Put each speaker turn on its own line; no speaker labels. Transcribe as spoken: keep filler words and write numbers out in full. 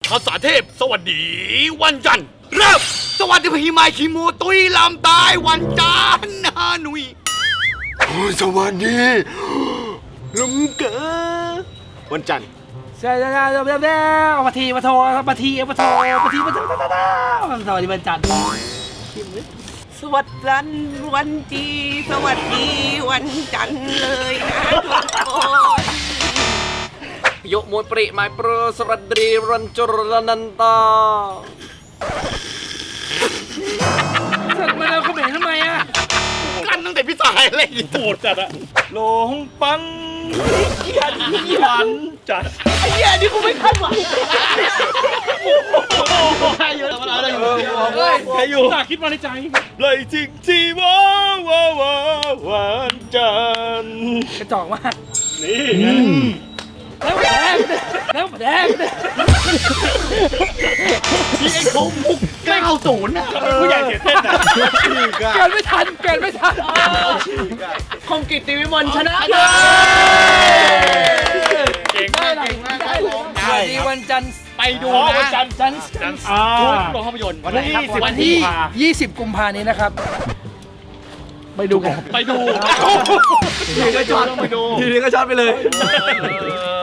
ภาษาเทพสวัสดีวันจันทร์เริ่มสวัสดีพี่ไมค์คีโมตุยลำตายวันจันทร์ฮานุยสวัสดีลุงเก๋วันจันทร์
ใช่แล้วแล้วแล้วมาทีมาโทรมาทีมาโทรมาทีมาโทรสวัสดีวันจันทร์
สวัสดีวันจีสวัสดีวันจันทร์เลยนะทุกคน
ยกมวยปริไม้โปรสวัสดีรันจรนันตา
สักมาแล้วเขาเห็นทำไมอ่ะ
กันตั้งแต่พี่สายอะไรโหดจัดอะ
ลงปังวันจัด
ไอ้เหี้ยนี่กูไม่คาดหวัง
ใครอยู่อะไรอยู่ใครอยู่
คิดมาในใจ
เลยจริงจีว้าวว้าววันจันทร์
กระจอกมาก
นี่
แล้วแดงแล้วแดง
พี่ไอ้เขามุกเก้าศูนย์นะผู้ใหญ่เสียเส้นนะ
เกิดไม่ทันเกิดไม่ทัน
คมกิตติวิมลชนะ
เก่งมากเก่งมากครับผม
สวัสดีวันจันทร์
ไปดูนะวันจันทร์จันทร์จันทร์โรงภาพยนตร์
วันที่วันที่ยี่สิบกุมภานี้นะครับไปดูกัน
ไปดูทีนี้ก็ช็อตไปดู
ทีนี้ก็ช็อตไปเลย